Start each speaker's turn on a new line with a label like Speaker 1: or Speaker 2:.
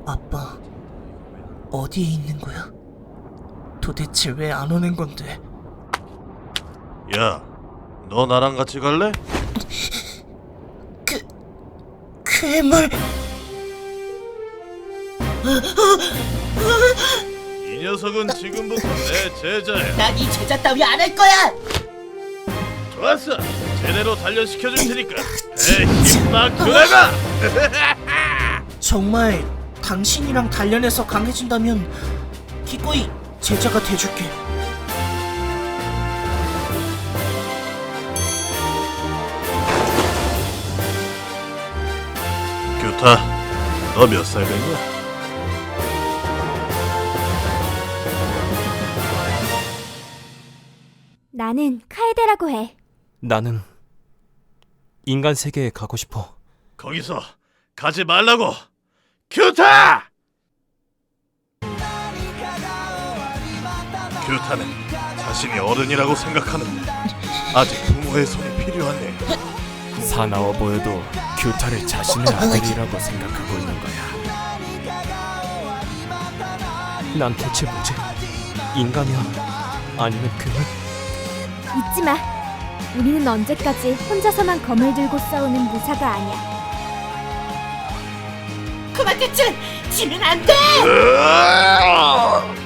Speaker 1: 아빠, 어디에 있는 거야? 도대체 왜 안 오는 건데?
Speaker 2: 야, 너 나랑 같이 갈래?
Speaker 1: 괴물!
Speaker 2: 이 녀석은 지금부터 내 제자야.
Speaker 1: 난 이 제자 따위 안 할 거야!
Speaker 2: 좋았어, 제대로 단련시켜줄 테니까 힘막 들어가!
Speaker 1: 정말 당신이랑 단련해서 강해진다면 기꺼이 제자가 돼줄게.
Speaker 2: 규타, 너 몇 살 됐냐?
Speaker 3: 나는 카에데라고 해.
Speaker 4: 나는 인간 세계에 가고 싶어.
Speaker 2: 거기서 가지 말라고! 규타! 규타는 자신이 어른이라고 생각하는데 아직 부모의 손이 필요하네.
Speaker 4: 사나워 보여도 규타를 자신의 아들이라고 생각하고 있는 거야. 난 대체 뭐지? 인간이야? 아니면 괴물?
Speaker 3: 잊지 마. 우리는 언제까지 혼자서만 검을 들고 싸우는 무사가 아니야.
Speaker 1: 그만 대체! 지면 안 돼!
Speaker 2: 으아!